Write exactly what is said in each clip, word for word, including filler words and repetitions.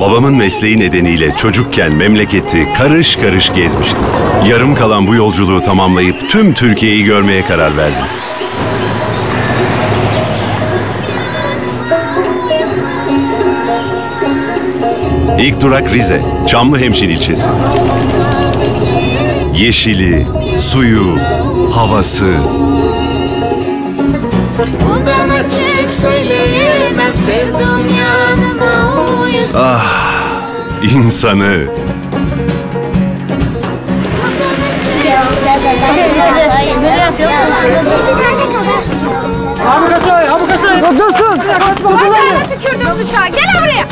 Babamın mesleği nedeniyle çocukken memleketi karış karış gezmiştik. Yarım kalan bu yolculuğu tamamlayıp tüm Türkiye'yi görmeye karar verdim. İlk durak Rize, Çamlıhemşin ilçesi. Yeşili, suyu, havası. Bundan açık söyleyemem, sevdim yanıma uyusun. Ah, insanı. Abi kaçay, abi kaçay. Ya dursun. Tutun Bana tükürdüm dışarı. Gel buraya.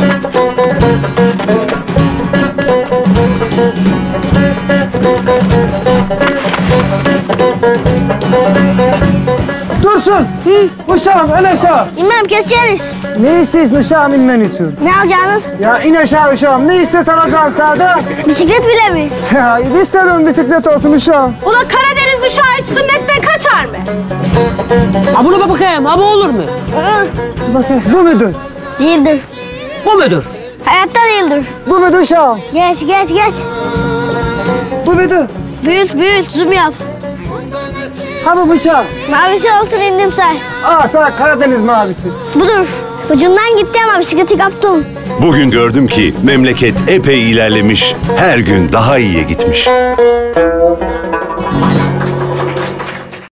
Dursun. Uşağım in aşağı. İmam keseriz. Ne istiyorsun uşağım inmen için? Ne alacaksınız? Ya in aşağı uşağım. Ne istiyorsan alacağım sana. Bisiklet bile mi? Ya istedim bisiklet olsun uşağım. Ulan Karadeniz uşağı hiç sünnetten kaçar mı? Ha bunu bakayım, ha bu olur mu? Dur bakayım. Bu mudur? Değildir. Bu mudur? Hayatta değildir. Bu mudur uşağım? Geç geç geç. Bu mudur? Büyült büyült zoom yap. Ha bu uşağım. Mavisi olsun indim say. Aa sana Karadeniz mavisi. Budur. Ucundan gitti ama bisikleti kaptım. Bugün gördüm ki memleket epey ilerlemiş, her gün daha iyiye gitmiş.